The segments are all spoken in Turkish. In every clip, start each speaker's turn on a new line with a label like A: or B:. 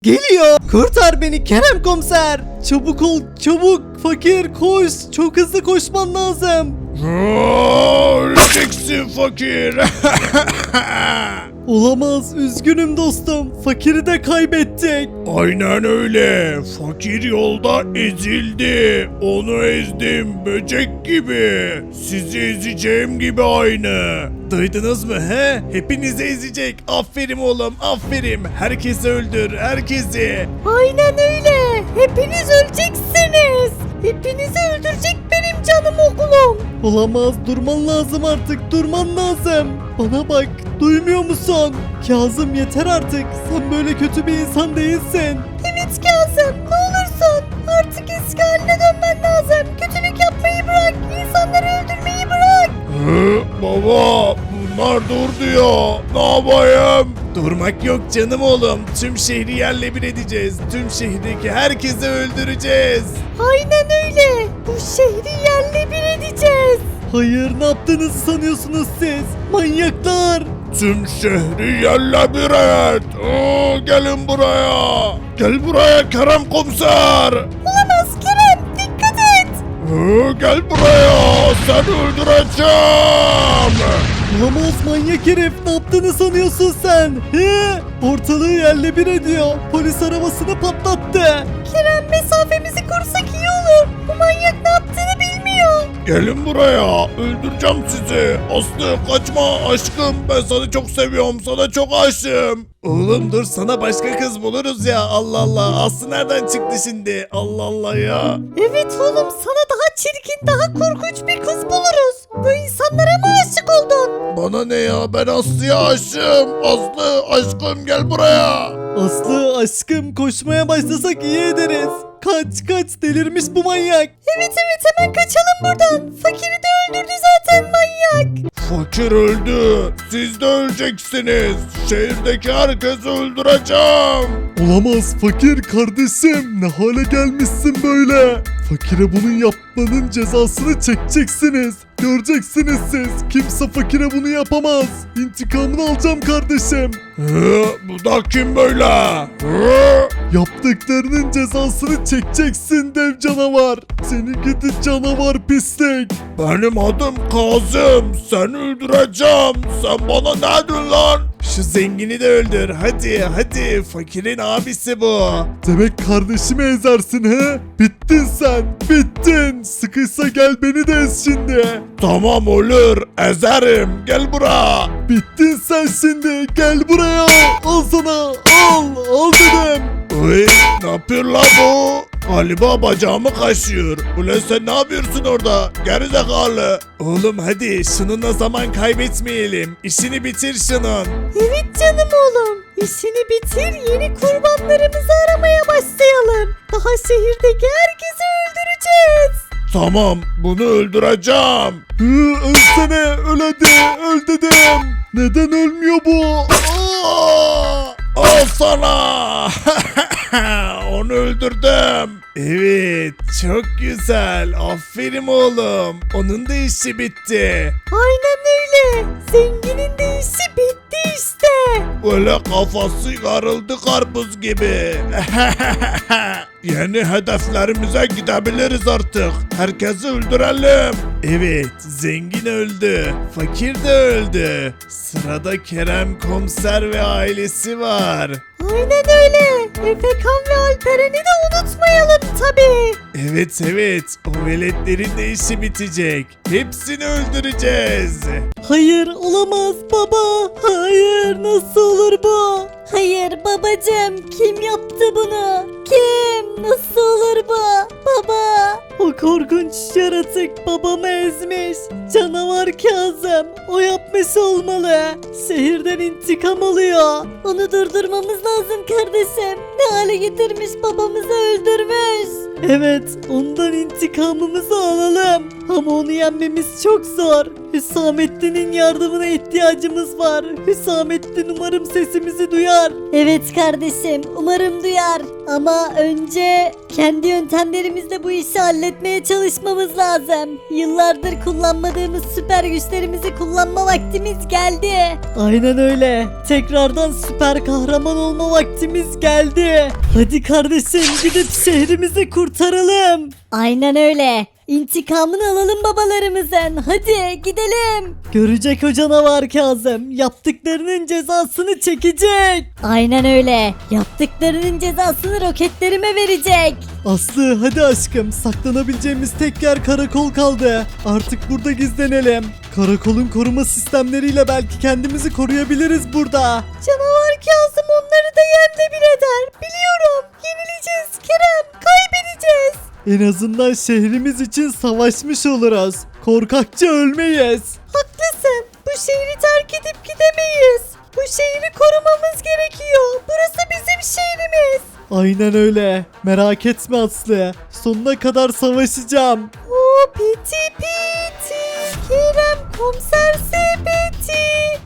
A: Geliyor. Kurtar beni Kerem komiser. Çabuk ol çabuk. Fakir koş. Çok hızlı koşman lazım.
B: Öleceksin fakir.
A: Olamaz. Üzgünüm dostum. Fakiri de kaybettik.
B: Aynen öyle. Fakir yolda ezildi. Onu ezdim böcek gibi. Sizi ezeceğim gibi aynı.
A: Duydunuz mu he? Hepinizi ezecek. Aferin oğlum aferin. Herkesi öldür herkesi.
C: Aynen öyle. Hepiniz öleceksiniz. Hepinizi öldürecek benim canım oğlum.
A: Olamaz durman lazım artık durman lazım. Bana bak duymuyor musun? Kazım yeter artık. Sen böyle kötü bir insan değilsin.
C: Evet Kazım, ne olursun. Artık eski haline dönmen lazım. Kötülük yapmayı bırak. İnsanları öldürmeyi bırak.
B: Baba bunlar dur diyor. Ne yapayım?
A: Durmak yok canım oğlum. Tüm şehri yerle bir edeceğiz. Tüm şehirdeki herkesi öldüreceğiz.
C: Aynen öyle. Bu şehri yerle bir edeceğiz.
A: Hayır ne yaptığınızı sanıyorsunuz siz? Manyaklar.
B: Tüm şehri yerle bir et. Gelin buraya. Gel buraya Kerem komiser.
C: Olamaz Kerem, dikkat et.
B: Gel buraya. Seni öldüreceğim.
A: Olamaz manyak herif ne yaptığını sanıyorsun sen? He? Ortalığı yerle bir ediyor. Polis arabasını patlattı.
C: Kerem, mesafemizi korusak iyi olur. Bu manyak ne yaptığını bilmiyor.
B: Gelin buraya. Öldüreceğim sizi. Aslı kaçma aşkım. Ben seni çok seviyorum. Sana çok aşığım.
A: Oğlum dur sana başka kız buluruz ya. Allah Allah. Aslı nereden çıktı şimdi? Allah Allah ya.
C: Evet oğlum, sana daha çirkin, daha korkunç bir kız buluruz. Bu insanlara mı aşık oldun?
B: Bana ne ya? Ben Aslı'ya aşığım. Aslı aşkım gel buraya.
A: Aslı aşkım koşmaya başlasak iyi ederiz. Kaç kaç delirmiş bu manyak.
C: Evet hemen kaçalım buradan. Fakiri de öldürdü zaten manyak.
B: Fakir öldü. Siz de öleceksiniz. Şehirdeki herkesi öldüreceğim.
A: Olamaz fakir kardeşim. Ne hale gelmişsin böyle? Fakire bunun yapmanın cezasını çekeceksiniz. Göreceksiniz siz. Kimse fakire bunu yapamaz. İntikamını alacağım kardeşim.
B: Bu da kim böyle? Hı?
A: Yaptıklarının cezasını çekeceksin dev canavar. Seni gidi canavar pislik.
B: Benim adım Kazım. Seni öldüreceğim. Sen bana ne diyorsun lan?
A: Şu zengini de öldür. Hadi. Fakirin abisi bu. Demek kardeşimi ezersin he? Bittin sen. Bittin. Sıkıysa gel beni de ez şimdi.
B: Tamam olur. Ezerim. Gel buraya.
A: Bittin sen şimdi. Gel buraya. Al sana. Al dedim.
B: Uy, ne yapıyor la bu? Galiba bacağımı kaşıyor. Ulan sen ne yapıyorsun orada? Gerizekalı.
A: Oğlum hadi şununla zaman kaybetmeyelim. İşini bitir şunun.
C: Evet canım oğlum. İşini bitir, yeni kurbanlarımızı aramaya başlayalım. Daha şehirdeki herkesi öldüreceğiz.
B: Tamam bunu öldüreceğim.
A: Ölsene öl hadi öl dedim. Neden ölmüyor bu?
B: Al sana. Onu öldürdüm.
A: Evet çok güzel aferin oğlum. Onun da işi bitti.
C: Aynen öyle. Zenginin de işi bitti işte.
B: Böyle kafası yarıldı karpuz gibi. Yeni hedeflerimize gidebiliriz artık. Herkesi öldürelim.
A: Evet zengin öldü. Fakir de öldü. Sırada Kerem komiser ve ailesi var.
C: Aynen öyle. Efekan ve Alperen'i de unutmayalım tabii.
A: Evet o veletlerin de işi bitecek. Hepsini öldüreceğiz. Hayır olamaz baba. Hayır nasıl olur bu?
C: Hayır babacığım, kim yaptı bunu? Kim? Nasıl olur bu? Baba.
A: O korkunç yaratık babamı ezmiş. Canavar Kazım. O yapmış olmalı. Şehirden intikam alıyor.
C: Onu durdurmamız lazım kardeşim. Ne hale getirmiş, babamızı öldürmüş.
A: Evet ondan intikamımızı alalım. Ama onu yenmemiz çok zor.
C: Hüsamettin'in yardımına ihtiyacımız var. Hüsamettin umarım sesimizi duyar. Evet kardeşim, umarım duyar. Ama önce kendi yöntemlerimizle bu işi halletmeye çalışmamız lazım. Yıllardır kullanmadığımız süper güçlerimizi kullanma vaktimiz geldi. Aynen öyle. Tekrardan süper kahraman olma vaktimiz geldi. Hadi kardeşim gidip şehrimizi kurtaralım. Aynen öyle. İntikamını alalım babalarımızın. Hadi gidelim. Görecek o canavar Kazım. Yaptıklarının cezasını çekecek. Aynen öyle. Yaptıklarının cezasını roketlerime verecek.
A: Aslı hadi aşkım, saklanabileceğimiz tek yer karakol kaldı. Artık burada gizlenelim. Karakolun koruma sistemleriyle belki kendimizi koruyabiliriz burada.
C: Canavar Kazım onları da yerle bir eder. Biliyorum. Yenileceğiz Kerem. Kaybedeceğiz.
A: En azından şehrimiz için savaşmış oluruz. Korkakça ölmeyiz.
C: Haklısın. Bu şehri terk edip gidemeyiz. Bu şehri korumamız gerekiyor. Burası bizim şehrimiz.
A: Aynen öyle. Merak etme Aslı. Sonuna kadar savaşacağım.
C: O piti piti. Kerem komiser sepeti.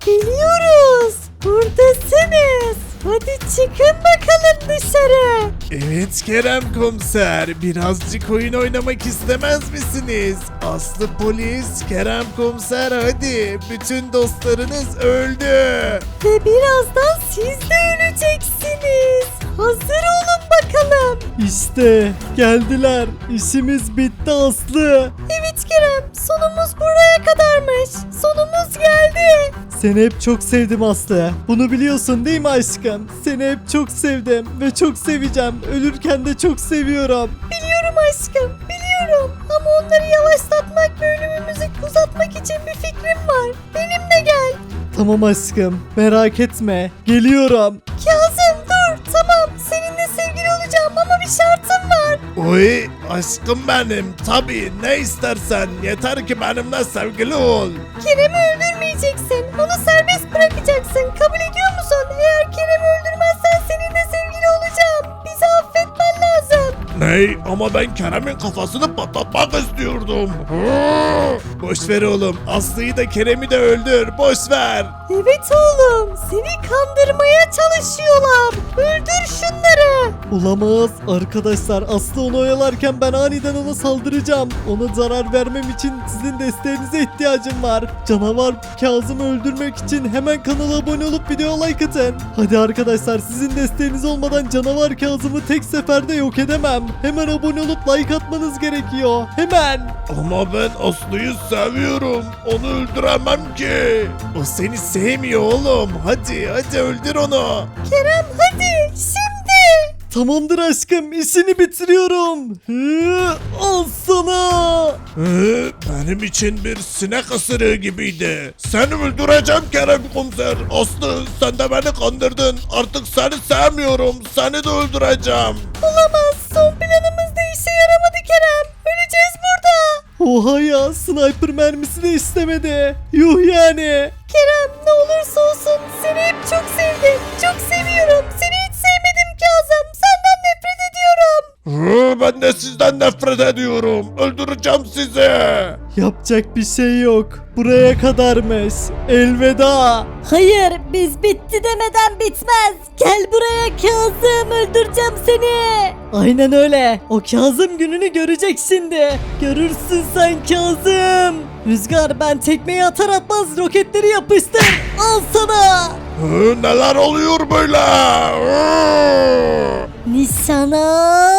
C: Geliyoruz. Buradasınız. Hadi çıkın bakalım dışarı.
B: Evet Kerem komiser, birazcık oyun oynamak istemez misiniz? Aslı polis, Kerem komiser hadi, bütün dostlarınız öldü.
C: Ve birazdan siz de öleceksiniz. Hazır olun bakalım.
A: İşte geldiler. İşimiz bitti Aslı.
C: Evet Kerem, sonumuz buraya kadarmış. Sonumuz geldi.
A: Seni hep çok sevdim Aslı. Bunu biliyorsun değil mi aşkım? Seni hep çok sevdim ve çok seveceğim. Ölürken de çok seviyorum.
C: Biliyorum aşkım, biliyorum. Ama onları yavaşlatmak ve ölümümüzü uzatmak için bir fikrim var. Benimle gel.
A: Tamam aşkım, merak etme. Geliyorum.
C: Kazım dur, tamam. Seninle sevgili olacağım ama bir şartım var.
B: Oy aşkım benim, tabii ne istersen, yeter ki benimle sevgili ol.
C: Kerem'i öldürmeyeceksin. Onu serbest bırakacaksın. Kabul ediyor musun? Eğer Kerem'i öldürmezsen seninle sevgili olacağım. Bizi affetmen lazım.
B: Ney? Ama ben Kerem'in kafasını patlatmak istiyordum. Hı! Boş ver oğlum, Aslı'yı da Kerem'i de öldür, boş ver.
C: Evet oğlum. Seni kandırmaya çalışıyorlar. Öldür şunları.
A: Olamaz. Arkadaşlar Aslı onu oyalarken ben aniden ona saldıracağım. Ona zarar vermem için sizin desteğinize ihtiyacım var. Canavar Kazım'ı öldürmek için hemen kanala abone olup video like atın. Hadi arkadaşlar, sizin desteğiniz olmadan canavar Kazım'ı tek seferde yok edemem. Hemen abone olup like atmanız gerekiyor. Hemen.
B: Ama ben Aslı'yı seviyorum, onu öldüremem ki. O seni sevmiyor oğlum, hadi öldür onu.
C: Kerem hadi. Şimdi.
A: Tamamdır aşkım, işini bitiriyorum. Al sana.
B: Benim için bir sinek ısırığı gibiydi. Seni öldüreceğim Kerem komiser. Aslı sen de beni kandırdın. Artık seni sevmiyorum. Seni de öldüreceğim.
C: Olamaz. Son planımız da işe yaramadı Kerem. Öleceğiz burada.
A: Oha ya, sniper mermisi de istemedi. Yuh yani.
C: Kerem ne olursa olsun seni hep çok sevdim. Çok seviyorum. Seni hiç sevmedim Kazım. Senden nefret ediyorum.
B: Ben de sizden nefret ediyorum. Öldüreceğim sizi.
A: Yapacak bir şey yok. Buraya kadarmış. Elveda.
C: Hayır biz bitti demeden bitmez. Gel buraya Kazım, öldüreceğim seni.
A: Aynen öyle. O Kazım gününü görecek şimdi. Görürsün sen Kazım. Rüzgar, ben tekmeyi atar atmaz roketleri yapıştır. Al sana.
B: Neler oluyor böyle?
C: Nişana.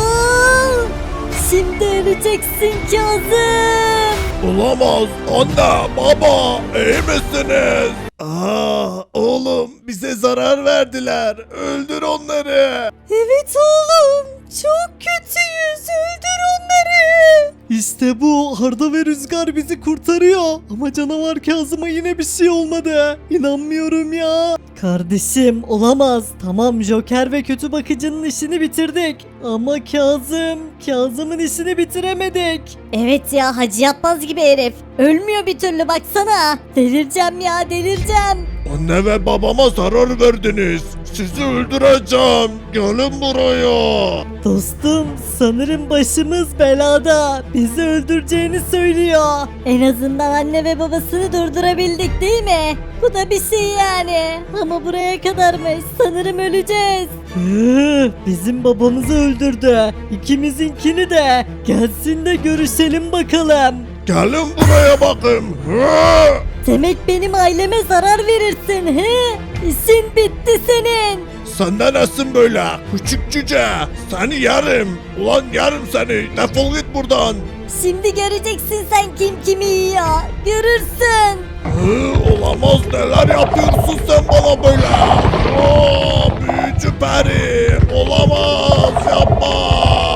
C: Şimdi öleceksin Kazım.
B: Olamaz. Anne, baba, iyi misiniz? Oğlum bize zarar verdiler. Öldür onları.
C: Evet oğlum. Çok kötüyüz. Öldür onları.
A: İşte bu, Arda ve Rüzgar bizi kurtarıyor. Ama canavar Kazım'a yine bir şey olmadı. İnanmıyorum ya. Kardeşim olamaz. Tamam, Joker ve kötü bakıcının işini bitirdik.
C: Ama Kazım'ın işini bitiremedik. Evet ya, Hacı Yatmaz gibi herif. Ölmüyor bir türlü, baksana. Delireceğim ya, delireceğim.
B: Anne ve babama zarar verdiniz. Sizi öldüreceğim. Gelin buraya.
C: Dostum, sanırım başımız belada. Bizi öldüreceğini söylüyor. En azından anne ve babasını durdurabildik değil mi? Bu da bir şey yani. Ama buraya kadarmış. Sanırım öleceğiz. Bizim babamızı öldürdü. İkimizinkini de. Gelsin de görüşelim bakalım.
B: Gelin buraya bakın. Hı!
C: Demek benim aileme zarar verirsin he? İşin bitti senin.
B: Senden nesin böyle? Küçük cüce. Seni yerim. Ulan yerim seni. Defol git buradan.
C: Şimdi göreceksin sen kim kimi yiyor. Görürsün.
B: Hı, olamaz, neler yapıyorsun sen bana böyle? Büyücü peri. Olamaz, yapma.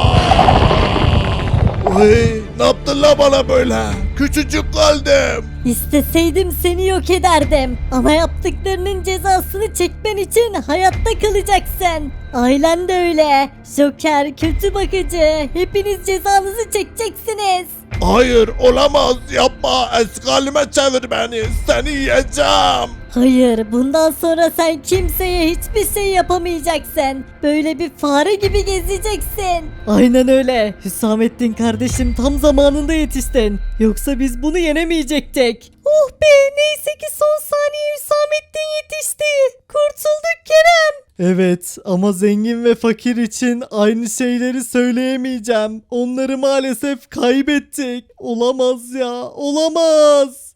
B: Oy, ne yaptın la bana böyle? Küçücük kaldım.
C: İsteseydim seni yok ederdim. Ama yaptıklarının cezasını çekmen için hayatta kalacaksın. Ailen de öyle. Joker, kötü bakıcı. Hepiniz cezanızı çekeceksiniz.
B: Hayır, olamaz, yapma. Eski halime çevir beni. Seni yiyeceğim.
C: Hayır, bundan sonra sen kimseye hiçbir şey yapamayacaksın. Böyle bir fare gibi gezeceksin. Aynen öyle. Hüsamettin kardeşim, tam zamanında yetiştin. Yoksa biz bunu yenemeyecektik. Oh be, neyse ki son saniye Hüsamettin yetişti. Kurtulduk Kerem. Evet, ama zengin ve fakir için aynı şeyleri söyleyemeyeceğim. Onları maalesef kaybettik. Olamaz ya, olamaz.